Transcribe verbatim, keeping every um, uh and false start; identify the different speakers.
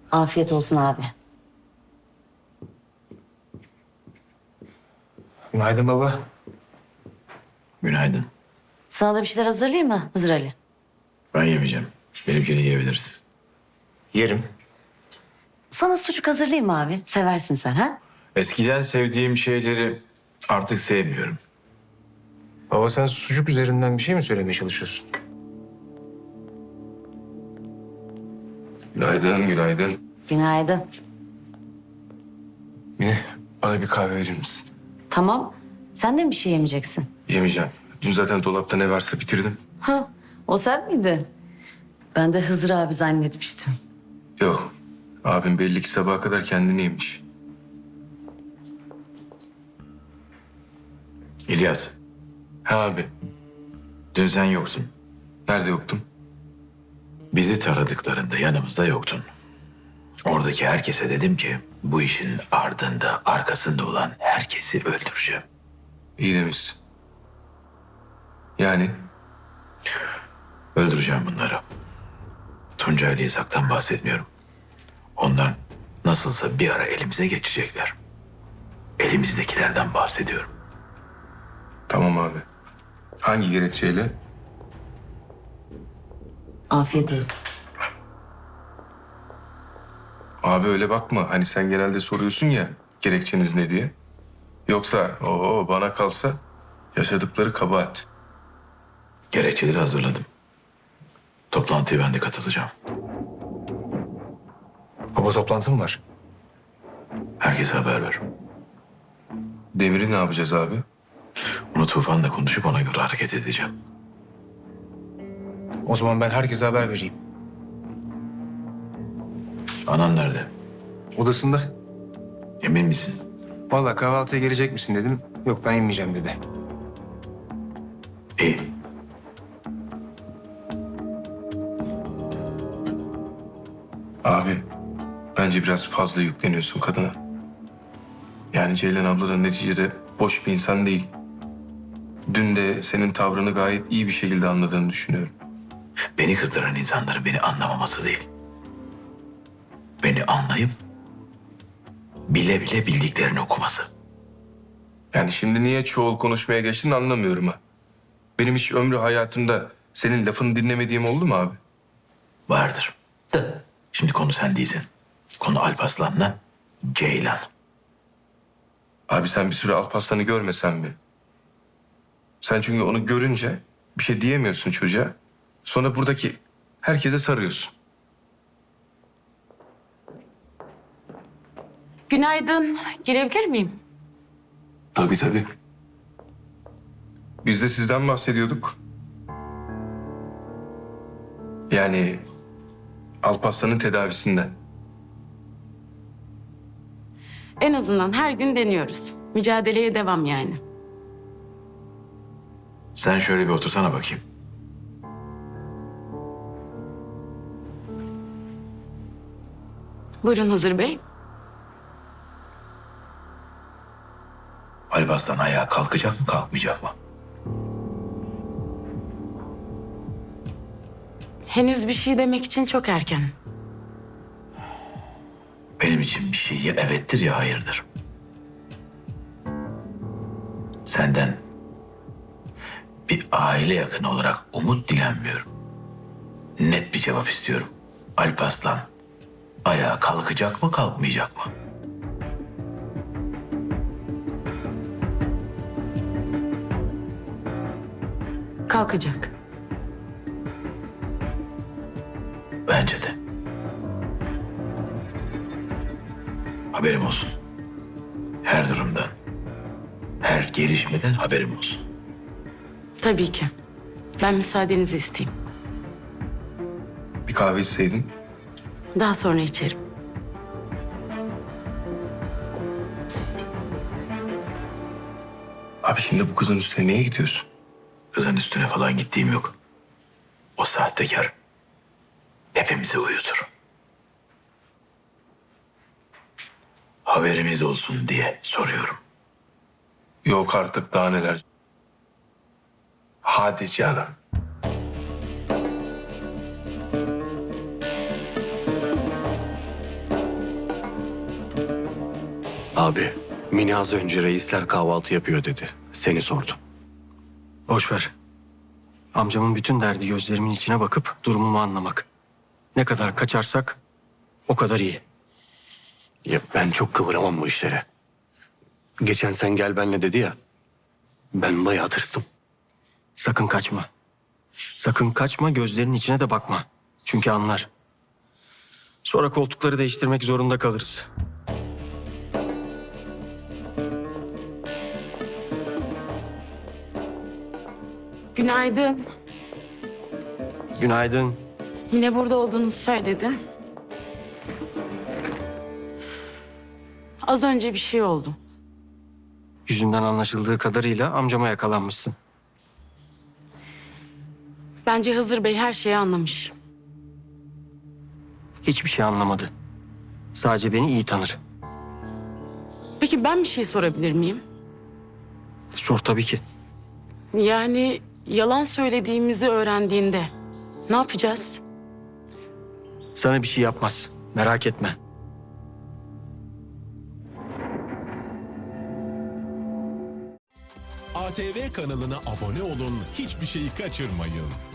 Speaker 1: Afiyet olsun abi.
Speaker 2: Günaydın baba.
Speaker 3: Günaydın.
Speaker 1: Sana da bir şeyler hazırlayayım mı Hızır Ali?
Speaker 3: Ben yemeyeceğim. Benimkini yiyebilirsin.
Speaker 2: Yerim.
Speaker 1: Sana sucuk hazırlayayım mı abi? Seversin sen ha?
Speaker 3: Eskiden sevdiğim şeyleri artık sevmiyorum.
Speaker 2: Baba sen sucuk üzerinden bir şey mi söylemeye çalışıyorsun? Günaydın, günaydın.
Speaker 1: Günaydın.
Speaker 2: Mine, bana bir kahve verir misin?
Speaker 1: Tamam. Sen de mi bir şey yemeyeceksin?
Speaker 2: Yemeyeceğim. Dün zaten dolapta ne varsa bitirdim.
Speaker 1: Ha, o sen miydin? Ben de Hızır abi zannetmiştim.
Speaker 2: Yok. Abim belli ki sabaha kadar kendini yemiş.
Speaker 3: İlyas,
Speaker 2: Ha abi.
Speaker 3: dün sen yoksun.
Speaker 2: Nerede yoktum?
Speaker 3: Bizi taradıklarında yanımızda yoktun. Oradaki herkese dedim ki bu işin ardında, arkasında olan herkesi öldüreceğim.
Speaker 2: İyi demişsin. Yani
Speaker 3: Öldüreceğim bunları. Tunca ile İshak'tan bahsetmiyorum. Onlar nasılsa bir ara elimize geçecekler. Elimizdekilerden bahsediyorum.
Speaker 2: tamam abi. Hangi gerekçeyle?
Speaker 1: Afiyet olsun.
Speaker 2: Abi öyle bakma. Hani sen genelde soruyorsun ya gerekçeniz ne diye. Yoksa o bana kalsa yaşadıkları kabahat.
Speaker 3: Gerekçeleri hazırladım. Toplantıya ben de katılacağım.
Speaker 2: Baba toplantım var.
Speaker 3: Herkese haber ver.
Speaker 2: Demir'i ne yapacağız abi?
Speaker 3: Onu Tufan'la konuşup ona göre hareket edeceğim.
Speaker 2: O zaman ben herkese haber vereyim.
Speaker 3: Anan nerede?
Speaker 2: Odasında.
Speaker 3: Emin misin?
Speaker 2: Vallahi kahvaltıya gelecek misin dedim. Yok ben inmeyeceğim dedi.
Speaker 3: İyi.
Speaker 2: Abi bence biraz fazla yükleniyorsun kadına. Yani Ceylan abla da neticede boş bir insan değil. Dün de senin tavrını gayet iyi bir şekilde anladığını düşünüyorum.
Speaker 3: Beni kızdıran insanların beni anlamaması değil. Beni anlayıp bile bile bildiklerini okuması.
Speaker 2: Yani şimdi niye çoğul konuşmaya geçtin anlamıyorum ha. Benim hiç ömrü hayatımda senin lafını dinlemediğim oldu mu abi?
Speaker 3: Vardır. Da şimdi konu sen değilsin. Konu Alparslan'la Ceylan.
Speaker 2: Abi sen bir süre Alparslan'ı görmesen mi? Sen çünkü onu görünce bir şey diyemiyorsun çocuğa. Sonra buradaki herkese sarıyorsun.
Speaker 4: Günaydın. Girebilir miyim?
Speaker 2: Tabii tabii. Biz de sizden bahsediyorduk. Yani Alparslan'ın tedavisinden.
Speaker 4: En azından her gün deniyoruz. Mücadeleye devam yani.
Speaker 3: Sen şöyle bir otursana bakayım.
Speaker 4: Buyurun Hızır Bey.
Speaker 3: Alparslan ayağa kalkacak mı kalkmayacak mı?
Speaker 4: Henüz bir şey demek için çok erken.
Speaker 3: Benim için bir şey ya evettir ya hayırdır. Senden bir aile yakını olarak umut dilenmiyorum. Net bir cevap istiyorum. Alparslan ayağa kalkacak mı kalkmayacak mı?
Speaker 4: Kalkacak.
Speaker 3: Bence de. Haberim olsun. Her durumdan, her gelişmeden haberim olsun.
Speaker 4: Tabii ki. Ben müsaadenizi isteyeyim.
Speaker 2: Bir kahve içseydin.
Speaker 4: Daha sonra içerim.
Speaker 2: Abi şimdi bu kızın üstüne niye gidiyorsun?
Speaker 3: Kızın üstüne falan gittiğim yok. O sahtekar hepimizi uyutur. Haberimiz olsun diye soruyorum.
Speaker 2: Yok artık daha neler. Hadi canım.
Speaker 5: Abi, Mine az önce reisler kahvaltı yapıyor dedi. Seni sordu.
Speaker 6: Boş ver. Amcamın bütün derdi gözlerimin içine bakıp durumumu anlamak. Ne kadar kaçarsak o kadar iyi.
Speaker 5: Ya ben çok kıvıramam bu işlere. Geçen sen gel benle dedi ya. Ben bayağı tırstım.
Speaker 6: Sakın kaçma. Sakın kaçma, gözlerinin içine de bakma. Çünkü anlar. Sonra koltukları değiştirmek zorunda kalırız.
Speaker 4: Günaydın.
Speaker 6: Günaydın.
Speaker 4: Yine burada olduğunuzu söyledi. Az önce bir şey oldu.
Speaker 6: Yüzünden anlaşıldığı kadarıyla amcama yakalanmışsın.
Speaker 4: Bence Hızır Bey her şeyi anlamış.
Speaker 6: Hiçbir şey anlamadı. Sadece beni iyi tanır.
Speaker 4: Peki ben bir şey sorabilir miyim?
Speaker 6: Sor tabii ki.
Speaker 4: Yani yalan söylediğimizi öğrendiğinde ne yapacağız?
Speaker 6: Sana bir şey yapmaz. Merak etme.
Speaker 7: A T V kanalına abone olun, hiçbir şeyi kaçırmayın.